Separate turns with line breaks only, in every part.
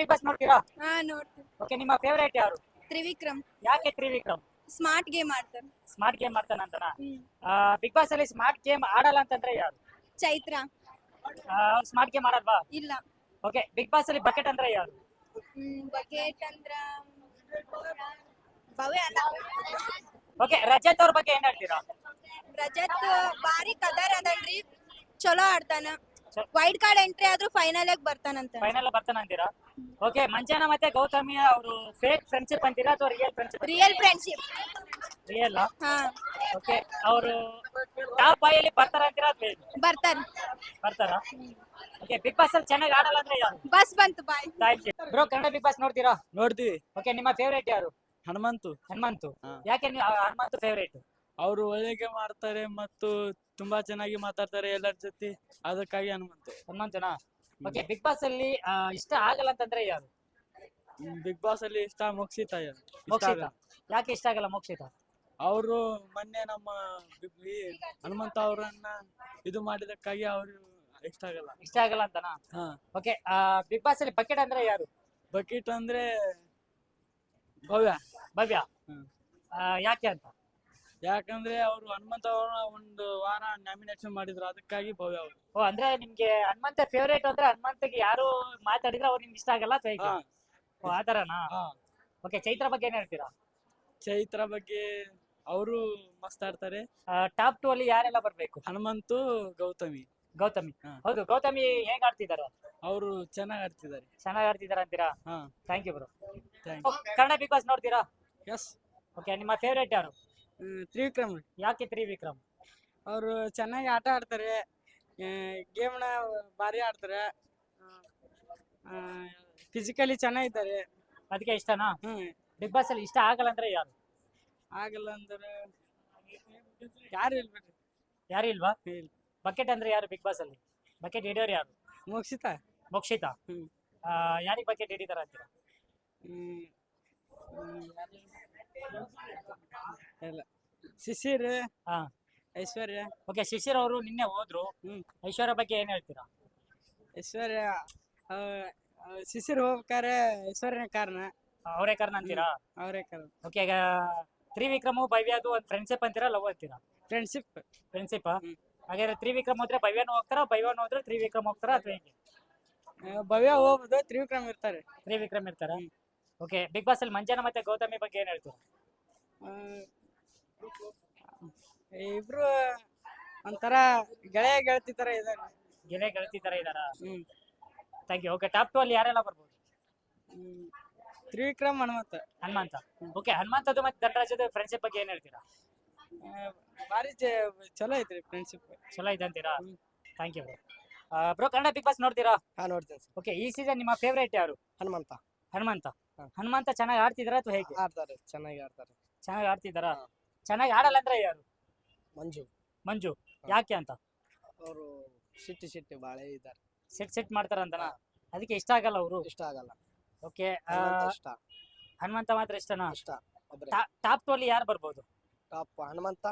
Big boss ನೋಡ್ತೀರಾ?
ಹಾ ನೋಡ್ತೀವಿ.
ಓಕೆ, ನಿಮ್ಮ ಫೇವರೇಟ್ ಯಾರು?
ತ್ರಿವಿಕ್ರಮ್
ಯಾಕೆ ತ್ರಿವಿಕ್ರಮ್?
ಸ್ಮಾರ್ಟ್ ಗೇಮ್ ಆಡ್ತಾರೆ.
ಸ್ಮಾರ್ಟ್ ಗೇಮ್ ಮಾಡ್ತಾನಂತನಾ? ಬಿಗ್ ಬಾಸ್ ಅಲ್ಲಿ ಸ್ಮಾರ್ಟ್ ಗೇಮ್ ಆಡಲ್ಲ ಅಂತಂದ್ರೆ ಯಾರು?
ಚೈತ್ರ
ಅವ್ರು ಸ್ಮಾರ್ಟ್ ಗೇಮ್ ಆಡಲ್ವಾ?
ಇಲ್ಲ.
ಓಕೆ, ಬಿಗ್ ಬಾಸ್ ಅಲ್ಲಿ ಬಕೆಟ್ ಅಂದ್ರೆ ಯಾರು?
ಬಕೆಟ್ ಅಂದ್ರ ಭವ್ಯ ಅಲ್ಲ.
ಓಕೆ, ರಜತ್ ಅವ್ರ ಬಗ್ಗೆ ಏನ್ ಹೇಳ್ತೀರಾ?
ರಜತ್ ಬಾರಿ ಕದರ್ ಅದನ್ರಿ, ಚಲೋ ಆಡ್ತಾನ.
ಚ-
ವೈಲ್ಡ್ ಕಾರ್ಡ್ ಎಂಟ್ರಿ ಆದ್ರೂ ಫೈನಲ್ ಬರ್ತಾನಂತ.
ಫೈನಲ್ ಬರ್ತಾನ ಅಂತೀರಾ? ಓಕೆ, ಮಂಜಾನ ಮತ್ತೆ ಗೌತಮಿ ಅವರು ಫೇಕ್ ಫ್ರೆಂಡ್ಶಿಪ್ ಅಂತೀರಾ ಅಥವಾ real friendship?
Real friendship.
Real.
ಹಾ
ಓಕೆ, ಅವರು ಟಾಪ್ ಫೈವ್ ಅಲ್ಲಿ ಬರ್ತಾರ ಅಂತೀರಾ ಅಥವಾ ಹೇಗೆ?
ಬರ್ತಾರ.
ಬರ್ತಾರಾ? ಓಕೆ, ಬಿಗ್ ಬಾಸ್ ಅಲ್ಲಿ ಚೆನ್ನಾಗಿ ಆಡಲ್ಲ ಅಂದ್ರೆ ಯಾರು?
ಬಸ್ ಬಂತು bye.
Thank you bro. Kannada big boss ನೋಡ್ತೀರಾ?
ನೋಡ್ತೀವಿ.
ಓಕೆ, ನಿಮ್ಮ ಫೇವರೇಟ್ ಯಾರು?
ಹನುಮಂತು
ಹನುಮಂತು.
ಹಾ.
ಯಾಕೆ ನೀವು ಹನುಮಂತು ಫೇವರೇಟ್?
ಅವರು ಒಳ್ಳೆಗೆ ಮಾಡ್ತಾರೆ ಮತ್ತು ತುಂಬಾ ಚೆನ್ನಾಗಿ ಮಾತಾಡ್ತಾರೆ ಎಲ್ಲರ ಜೊತೆ, ಅದಕ್ಕಾಗಿ ಹನುಮಂತು.
ಹನುಮಂತನಾ? ಓಕೆ, ಬಿಗ್ ಬಾಸ್ ಅಲ್ಲಿ ಇಷ್ಟ ಆಗಲ್ಲ ಅಂತಂದ್ರೆ ಯಾರು?
ಬಿಗ್ ಬಾಸ್ ಅಲ್ಲಿ ಇಷ್ಟ ಮೋಕ್ಷಿತ.
ಮೋಕ್ಷಿತ. ಯಾಕೆ ಇಷ್ಟ ಆಗಲ್ಲ ಮೋಕ್ಷಿತ?
ಅವರು ಮೊನ್ನೆ ನಮ್ಮ ಈ ಹನುಮಂತ ಅವರನ್ನ ಇದು ಮಾಡಿದಕ್ಕಾಗಿ ಅವರು ಇಷ್ಟ ಆಗಲ್ಲ.
ಇಷ್ಟ ಆಗಲ್ಲ ಅಂತನಾ?
ಹಾ.
ಓಕೆ, ಬಿಗ್ ಬಾಸ್ ಅಲ್ಲಿ ಬಕೆಟ್ ಅಂದ್ರೆ ಯಾರು?
ಬಕೀಟ್ ಅಂದ್ರೆ ಭವ್ಯ.
ಭವ್ಯ.
ಹ್ಮ್.
ಯಾಕೆ ಅಂತ?
ಯಾಕಂದ್ರೆ ಅವರು ಹನುಮಂತ ಅವರ ಒಂದು ವಾರ ನಾಮಿನೇಷನ್ ಮಾಡಿದ್ರು, ಅದಕ್ಕಾಗಿ ಭವ್ಯ ಅವರು.
ಓ, ಅಂದ್ರೆ ನಿಮ್ಗೆ ಹನುಮಂತ ಫೇವರೇಟ್ ಅಂದ್ರೆ ಹನುಮಂತಗೆ ಯಾರು ಮಾತಾಡಿದ್ರೆ ಅವ್ರು ನಿಮ್ಗೆ ಇಷ್ಟ ಆಗಲ್ಲ ಅಥವಾ ಹೇಗೆ?
ಹಾ.
ಓ, ಆತರನಾ?
ಹಾ.
ಓಕೆ, ಚೈತ್ರ ಬಗ್ಗೆ ಏನ್ ಹೇಳ್ತೀರಾ?
ಚೈತ್ರ ಬಗ್ಗೆ ಅವರು ಮಸ್ತ್ ಆಡ್ತಾರೆ.
ಟಾಪ್ 2 ಅಲ್ಲಿ ಯಾರೆಲ್ಲ ಬರ್ಬೇಕು?
ಹನುಮಂತು, ಗೌತಮಿ.
ಗೌತಮಿ.
ಹಾ.
ಹೌದು, ಗೌತಮಿ ಹೇಗ್ ಆಡ್ತಿದ್ದಾರೆ?
ಅವರು ಚೆನ್ನಾಗಿ ಆಡ್ತಿದ್ದಾರೆ.
ಚೆನ್ನಾಗಿ ಆಡ್ತಿದಾರ ಅಂತೀರಾ?
ಹಾ.
Thank you bro.
Thank
Kannada big boss ನೋಡ್ತೀರಾ?
ಯು. ಎಸ್.
ಓಕೆ, ನಿಮ್ಮ ಫೇವರೇಟ್ ಯಾರು?
ತ್ರಿವಿಕ್ರಮ್.
ಯಾಕೆ ತ್ರಿವಿಕ್ರಮ್?
ಅವರು ಚೆನ್ನಾಗಿ ಆಟ ಆಡ್ತಾರೆ, ಗೇಮ್ನ ಭಾರಿ ಆಡ್ತಾರೆ, ಫಿಸಿಕಲಿ ಚೆನ್ನಾಗಿದ್ದಾರೆ.
ಅದಕ್ಕೆ ಇಷ್ಟನಾ?
ಹ್ಮ್.
ಬಿಗ್ ಬಾಸ್ ಅಲ್ಲಿ ಇಷ್ಟ ಆಗಲ್ಲ ಅಂದ್ರೆ ಯಾರು?
ಆಗಲ್ಲ ಅಂದ್ರೆ ಯಾರು ಇಲ್ಬೇಡ್ರಿ.
ಯಾರು ಇಲ್ವಾ?
ಇಲ್ಲ.
ಬಕೆಟ್ ಅಂದ್ರೆ ಯಾರು ಬಿಗ್ ಬಾಸ್ ಅಲ್ಲಿ? ಬಕೆಟ್ ಹಿಡಿಯೋರು ಯಾರು?
ಮೋಕ್ಷಿತ.
ಮೋಕ್ಷಿತ.
ಹ್ಮ್.
ಯಾರಿಗೆ ಬಕೆಟ್ ಹಿಡಿತಾರ ಅಂತೀರಾ?
ಹ್ಮ್. ಇಲ್ಲ, ಶಿಶಿರ್,
ಹಾ.
ಐಶ್ವರ್ಯ.
ಓಕೆ, ಶಿಶಿರ್ ಅವರು ನಿನ್ನೆ ಹೋದ್ರು.
ಹ್ಮ್.
ಐಶ್ವರ್ಯ ಬಗ್ಗೆ ಏನ್ ಹೇಳ್ತೀರಾ?
ಐಶ್ವರ್ಯ, ಶಿಶಿರ್ ಹೋಗ್ಬೇಕಾರೆ ಐಶ್ವರ್ಯನ ಕಾರಣ.
ಅವರೇ ಕಾರಣ ಅಂತೀರಾ?
ಅವರೇ ಕಾರಣ.
ಓಕೆ, ಈಗ ತ್ರಿವಿಕ್ರಮು ಭವ್ಯದು ಒಂದು ಫ್ರೆಂಡ್ಶಿಪ್ ಅಂತೀರಾ, ಲವ್ ಅಂತೀರಾ?
ಫ್ರೆಂಡ್ಶಿಪ್.
ಫ್ರೆಂಡ್ಶಿಪ್.
ಹ್ಮ್.
ಹಾಗಾದ್ರೆ ತ್ರಿವಿಕ್ರಮ್ ಹೋದ್ರೆ ಭವ್ಯನೂ ಹೋಗ್ತಾರಾ, ಭವ್ಯನೂ ಹೋದ್ರೆ ತ್ರಿವಿಕ್ರಮ್ ಹೋಗ್ತಾರಾ ಅಥವಾ ಹೇಗೆ?
ಭವ್ಯ ಹೋಗ್ಬೋದು, ತ್ರಿವಿಕ್ರಮ್ ಇರ್ತಾರೆ.
ತ್ರಿವಿಕ್ರಮ್ ಇರ್ತಾರಾ?
ಹ್ಮ್.
ಓಕೆ, ಬಿಗ್ ಬಾಸ್ ಅಲ್ಲಿ ಮಂಜಾನ ಮತ್ತೆ ಗೌತಮಿ ಬಗ್ಗೆ ಏನ್ ಹೇಳ್ತೀರಾ?
ಇಬ್ರು ಒಂಥರ ಗೆಳೆಯ ಗೆಳತಿ ತರ ಇದಾರೆ.
ಗೆಳೆ ಗೆಳತಿ ತರ ಇದಾರಾ?
ಹ್ಮ್.
Thank you. ಓಕೆ, ಟಾಪ್ 2 ಅಲ್ಲಿ ಯಾರೆಲ್ಲ ಬರ್ಬೋದು?
ತ್ರಿವಿಕ್ರಮ್, ಹನುಮಂತ.
ಹನುಮಂತ. ಓಕೆ, ಹನುಮಂತದ್ದು ಮತ್ತೆ ಧನರಾಜದ ಫ್ರೆಂಡ್ಶಿಪ್ ಬಗ್ಗೆ ಏನ್ ಹೇಳ್ತೀರಾ?
ಭಾರಿ ಚಲೋ ಐತ್ರಿ ಫ್ರೆಂಡ್ಶಿಪ್.
ಚಲೋ ಇದೆ ಅಂತೀರಾ?
ಹ್ಮ್.
Thank you bro. Bro, Kannada big boss ನೋಡ್ತೀರಾ?
ಹಾ, ನೋಡ್ತೇನೆ ಸರ್.
ಓಕೆ, ಈ ಸೀಸನ್ ನಿಮ್ಮ ಫೇವರೇಟ್ ಯಾರು?
ಹನುಮಂತ.
ಹನುಮಂತ.
ಹಾ.
ಹನುಮಂತ ಚೆನ್ನಾಗಿ ಆಡ್ತಿದಾರ ಅಥವಾ ಹೇಗೆ?
ಆಡ್ತಾರೆ, ಚೆನ್ನಾಗಿ ಆಡ್ತಾರೆ.
ಚೆನ್ನಾಗಿ ಆಡ್ತಿದಾರಾ?
ಹಾ.
ಚೆನ್ನಾಗಿ ಆಡಲ್ಲ ಅಂದ್ರೆ ಯಾರು?
ಮಂಜು.
ಮಂಜು.
ಹಾ.
ಯಾಕೆ ಅಂತ?
ಅವರು ಸಿಟ್ಟಿ ಬಾಳೆ ಇದ್ದಾರೆ.
ಸೆಟ್ ಮಾಡ್ತಾರಂತನಾ? ಅದಕ್ಕೆ ಇಷ್ಟ ಆಗಲ್ಲ ಅವರು?
ಇಷ್ಟ ಆಗಲ್ಲ.
ಓಕೆ,
ಹನುಮಂತ ಇಷ್ಟ.
ಹನುಮಂತ ಮಾತ್ರ ಇಷ್ಟನಾ?
ಇಷ್ಟ. ಒಬ್ರೆ
ಟಾಪ್ 2 ಅಲ್ಲಿ ಯಾರು ಬರ್ಬೋದು?
ಟಾಪ್ ಹನುಮಂತ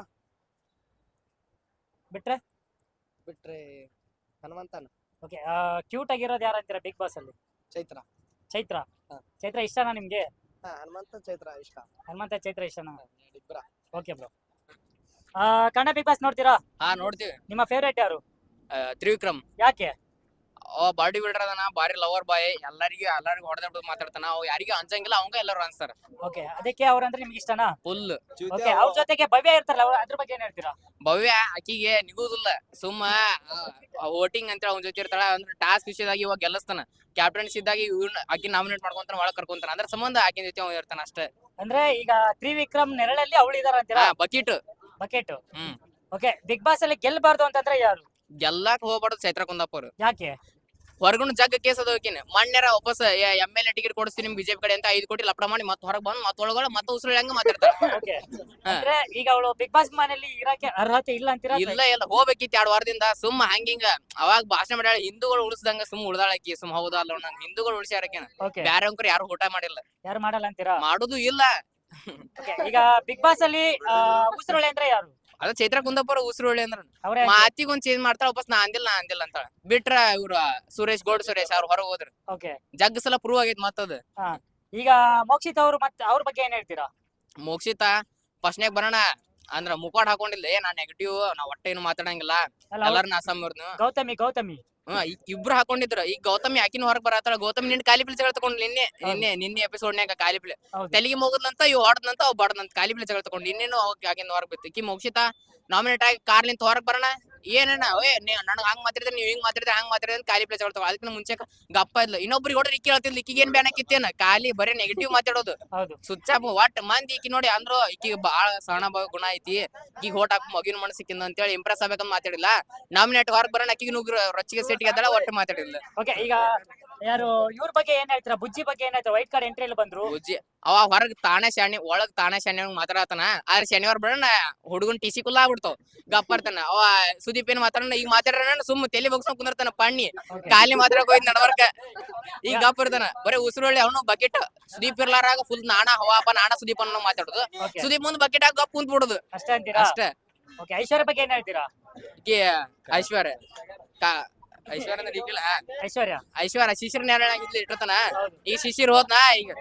ಬಿಟ್ರೆ?
ಬಿಟ್ರೆ ಹನುಮಂತನ.
ಓಕೆ, ಕ್ಯೂಟ್ ಆಗಿರೋದು ಯಾರು ಅಂತೀರಾ ಬಿಗ್ ಬಾಸ್ ಅಲ್ಲಿ?
ಚೈತ್ರ.
ಚೈತ್ರ.
ಹಾ.
ಚೈತ್ರ ಇಷ್ಟನಾ ನಿಮ್ಗೆ?
ಹಾ, ಹನುಮಂತ ಚೈತ್ರ ಇಷ್ಟ.
ಹನುಮಂತ ಚೈತ್ರ ಇಷ್ಟನಾ?
ಇಬ್ಬರ.
Okay bro. Kannada big boss ನೋಡ್ತೀರಾ?
ಹಾ, ನೋಡ್ತೀವಿ.
ನಿಮ್ಮ ಫೇವರೇಟ್ ಯಾರು?
ತ್ರಿವಿಕ್ರಮ್.
ಯಾಕೆ?
ಅವ ಬಾಡಿ ಬಿಲ್ಡರ್ ಅದನ, ಬಾರಿ ಲವರ್ ಬಾಯ್, ಎಲ್ಲರಿಗೂ ಹೊಡೆದ ಮಾತಾಡ್ತಾನ. ಅವ್ ಯಾರಿಗೂ ಅನ್ಸಂಗಿಲ್ಲ, ಅವಂಗ ಎಲ್ಲರೂ ಅನ್ಸ್ತಾರ.
ಓಕೆ, ಅದಕ್ಕೆ ಅವ್ರಂದ್ರೆ ನಿಮ್ಗೆ ಇಷ್ಟನಾ?
ಫುಲ್.
ಓಕೆ, ಅವ್ರ ಜೊತೆಗೆ ಭವ್ಯ ಇರ್ತಾರಲ್ಲ, ಅದ್ರ ಬಗ್ಗೆ ಏನ್ ಹೇಳ್ತೀರಾ?
ಭವ್ಯ ಆಕಿಗೆ ನಿಗುದಿಲ್ಲ, ಸುಮ್ಮ ವೋಟಿಂಗ್ ಅಂತ ಅವ್ನ ಜೊತೆ ಇರ್ತಾಳ. ಅಂದ್ರೆ ಟಾಸ್ಕ್ ವಿಷಯದಾಗಿ ಇವಾಗ ಗೆಲ್ಲಿಸ್ತಾನ, ಕ್ಯಾಪ್ಟನ್ಸಿ ಇದ್ದಾಗ ಆಕಿ ನಾಮಿನೇಟ್ ಮಾಡ್ಕೊಂತಾನ, ಒಳಗ್ ಕರ್ಕೊಂತಾನ. ಅದ್ರ ಸಂಬಂಧ ಆಕಿನ ಜೊತೆ ಅವ್ ಇರ್ತಾನ ಅಷ್ಟೇ.
ಅಂದ್ರೆ ಈಗ ತ್ರಿವಿಕ್ರಮ್ ನೆರಳಲ್ಲಿ ಅವಳು ಇದಾರ ಅಂತೀರಾ?
ಬಕೀಟ್.
ಬಕೆಟ್.
ಹ್ಮ್.
ಓಕೆ, ಬಿಗ್ ಬಾಸ್ ಅಲ್ಲಿ ಗೆಲ್ಬಾರ್ದು ಅಂತಂದ್ರೆ ಯಾರು?
ಗೆಲ್ಲಾಕ್ ಹೋಗ್ಬಾರ್ದು ಚೈತ್ರ ಕುಂದಾಪುರ್.
ಯಾಕೆ?
ಹೊರಗುಣ ಜಗ್ಗ ಕೇಸ್ ಅದಕಿನ ಮಣ್ಣೆರ ವಾಪಸ್ MLA ಟಿಕೆಟ್ ಕೊಡಿಸ್ತೀನಿ ನಿಮ್ ಬಿಜೆಪಿ ಕಡೆ ಅಂತ 5 ಕೋಟಿ ಲಪಡ ಮಾಡಿ ಮತ್ತೆ ಹೊರಗೆ ಬಂದು ಮತ್ತೆ ಒಳಗೊಳ ಮತ್ತೆ ಉಸಿರು ಹೆಂಗ ಮಾತಾಡ್ತಾರ.
ಓಕೆ, ಅಂದ್ರೆ ಈಗ ಅವಳು ಬಿಗ್ ಬಾಸ್ ಮನೆಯಲ್ಲಿ ಇರಕ್ಕೆ ಅರ್ಹತೆ ಇಲ್ಲ ಅಂತೀರಾ?
ಇಲ್ಲ ಹೋಗ್ಬೇಕಿತ್ತು 2 ವಾರದಿಂದ. ಸುಮ್ಮ ಹಂಗಿಂಗ ಅವಾಗ ಭಾಷಣ ಮಾಡ್ಯಾಳ, ಹಿಂದೂಗಳು ಉಳಿಸ್ದಂಗ ಸುಮ್ ಉಳ್ದಾಳಕಿ. ಸುಮ್ ಹೌದಾ ಅಲ್ಲ, ನಂಗೆ ಹಿಂದೂಗಳು ಉಳಿಸ್ಯಾರಕೇನ,
ಓಕೆ,
ಬ್ಯಾರೆ ಅಂಕರ್ ಯಾರು ಊಟ ಮಾಡಿಲ್ಲ,
ಯಾರು ಮಾಡಲ್ಲ ಅಂತೀರಾ?
ಮಾಡುದು ಇಲ್ಲ.
ಓಕೆ, ಈಗ ಬಿಗ್ ಬಾಸ್ ಅಲ್ಲಿ ಉಸಿರೊಳೆ ಅಂದ್ರೆ ಯಾರು?
ಅದ ಚೈತ್ರ ಕುಂದಾಪುರ ಉಸಿರೊಳ್ಳಿ ಅಂದ್ರ
ಅವ್ರೇ
ಮಾತಿಗೊಂದ್ ಚೇಂಜ್ ಮಾಡ್ತಾಳ ವಾಪಸ್ ನಾ ಅಂದಿಲ್ಲ ಅಂತಾಳ ಬಿಟ್ರ ಇವ್ರ ಸುರೇಶ್ ಅವ್ರ ಹೊರಗೆ ಹೋದ್ರು
ಓಕೆ.
ಜಗ್ ಸಲ ಪ್ರೂವ್ ಆಗೈತ್ ಮತ್ತದ.
ಈಗ ಮೋಕ್ಷಿತ್ ಅವರು ಮತ್ತೆ ಅವ್ರ ಬಗ್ಗೆ ಏನ್ ಹೇಳ್ತೀರಾ?
ಮೋಕ್ಷಿತ ಫಸ್ಟ್ನ್ಯಾಗ ಬರೋಣ ಅಂದ್ರ ಮುಖವಾಡ ಹಾಕೊಂಡಿಲ್ಲ ನಾ ನೆಗೆಟಿವ್ ನಾ ಒಟ್ಟ ಏನು ಮಾತಾಡಂಗಿಲ್ಲ
ಅಲ್ಲ ಅವ್ರು-
ಎಲ್ಲಾರನ್ನ ಅಸಂಬರ್ನು
ಗೌತಮಿ
ಇಬ್ರು ಹಾಕೊಂಡಿದ್ರು. ಈಗ ಗೌತಮಿ ಆಕಿನ ಹೊರಗ್ ಬರತ್ತಾಳ. ಗೌತಮಿ ನಿನ್ನ ಕಾಲಿಪಿಲ್ ಜಗಳ ತಗೊಂಡ್ ನಿನ್ನೆ ಎಪಿಸೋಡ್ನ್ಯಾಗ ಕಾಲಿಪಿಲ್
ಹೌದು.
ತೆಲಿಗೆ ಹೋಗದ್ಲಂತ ಇವ್ ಹೊಡದ್ನಂತ ಅವ್ ಬಡದಂತ ಕಾಲಿಪಿಲ್ ಜಗಳ ತಗೊಂಡ್ ಇನ್ನೇನು ಆಗಿನ ಹೊರಗ್ ಬಿತ್ತು. ಈಕಿ ಮೋಕ್ಷಿತ ನಾಮಿನೇಟ್ ಆಗಿ ಕಾರ್ಲಿಂತ ಹೊರಗ್ ಬರೋಣ ಏನೇನ ನನಗ್ ಹಂಗ್ ಮಾತಾಡಿದ್ರೆ ನೀವ್ ಹಿಂಗ್ ಮಾತಾಡಿದ್ರೆ ಹಂಗ್ ಮಾತಾಡಿದ್ರೆ ಕಾಲಿಪಿಲ್ ಜಗಳ ತಗೊಂಡ್ ಅದಕ್ಕಿಂತ ಮುಂಚೆ ಗಪ್ಪ ಇದ್ಲು. ಇನ್ನೊಬ್ರಿಗೆ ಹೊಡ್ರಿ ಇಕ್ಕಿ ಹೇಳ್ತಿದ್ಲು ಈಕಿಗೆ ಏನ್ ಬ್ಯಾನ್ ಹಾಕಿತ್ತೇನ ಖಾಲಿ ಬರೀ ನೆಗೆಟಿವ್ ಮಾತಾಡೋದು
ಹೌದು.
ಸುಚ್ಚಾಪ್ ಒಟ್ ಮಂದಿ ಈಕಿ ನೋಡಿ ಅಂದ್ರು ಈಕಿಗೆ ಬಾಳ ಸಹನ ಗುಣ ಐತಿ ಈಗ ಹೋಟ್ ಹಾಕ್ ಮಗಿನ ಮನಸ್ಸಿಕ್ಕಿಂದ ಅಂತೇಳಿ ಇಂಪ್ರೆಸ್ ಆಗ್ಬೇಕಂತ ಮಾತಾಡಿಲ್ಲ. ನಾಮಿನೇಟ್ ಹೊರಗ್ ಬರೋಣ ಅಕ್ಕಿಗೆ ನುಗ್ರು ರೊಚ್ಚಿಗೆ ಸಿಟ್ಟಿಗೆ ಅದಳ ಒಟ್ಟು ಮಾತಾಡಿಲ್ಲ.
ಓಕೆ. ಈಗ ಯಾರು ಇವ್ರ ಬಗ್ಗೆ ಏನ್ ಹೇಳ್ತೀರಾ? ಬುಜ್ಜಿ ಬಗ್ಗೆ ಏನ್ ಹೇಳ್ತೀರಾ? ವೈಟ್ ಕಾರ್ಡ್ ಎಂಟ್ರಿ ಅಲ್ಲಿ ಬಂದ್ರು.
ಬುಜ್ಜಿ ಅವ ಹೊರಗ್ ತಾನೇ ಶಾಣಿ ಒಳಗ್ ತಾನೇ ಶಾಣಿ ಮಾತಾಡತಾನ. ಆದ್ರೆ ಶನಿವಾರ ಬರೋಣ ಹುಡುಗನ್ ಟಿಸಿ ಕುಲ್ಲ ಆಗ್ಬಿಡ್ತಾವ ಗಪ್ಪ ಇರ್ತಾನ. ಅವ ಸುದೀಪ್ ಏನ್ ಮಾತಾಡ ಈಗ ಮಾತಾಡ್ರ ಸುಮ್ ತಲೆ ಬಗ್ಸ್ಕೊಂಡ್ ಕುಂದಿರ್ತಾನ ಪಣ್ಣಿ ಖಾಲಿ ಮಾತಾಡಕ್ ಹೋಯ್ತು ನಡವರ್ಕ ಈಗ ಗಪ್ಪ ಇರ್ತಾನ. ಬರೀ ಉಸಿರೊಳ್ಳಿ ಅವನು ಬಕೆಟ್ ಸುದೀಪ್ ಇರ್ಲಾರಾಗ ಫುಲ್ ನಾಣ ಹವಾಪ ನಾಣ ಸುದೀಪ್ ಅನ್ನೋ ಮಾತಾಡುದು.
Okay.
ಸುದೀಪ್ ಮುಂದ್ ಬಕೆಟ್ ಆಗ ಗಪ್ ಕುಂತ್ ಬಿಡುದು
ಅಷ್ಟೇ ಅಂತೀರಾ?
ಅಷ್ಟೇ.
ಓಕೆ. ಐಶ್ವರ್ಯ ಬಗ್ಗೆ ಏನ್ ಹೇಳ್ತೀರಾ?
ಈಕಿ ಐಶ್ವರ್ಯ ಐಶ್ವರ್ಯ ಅಂದ್ರೆ ಈಗಿಲ್ಲ
ಐಶ್ವರ್ಯ
ಐಶ್ವರ್ಯ ಶಿಶಿರ್ ನೇರ ಇಟ್ಟಾನ.
ಹೌದು.
ಈಗ ಶಿಶಿರ್ ಹೋದ್ನಾ ಈಗ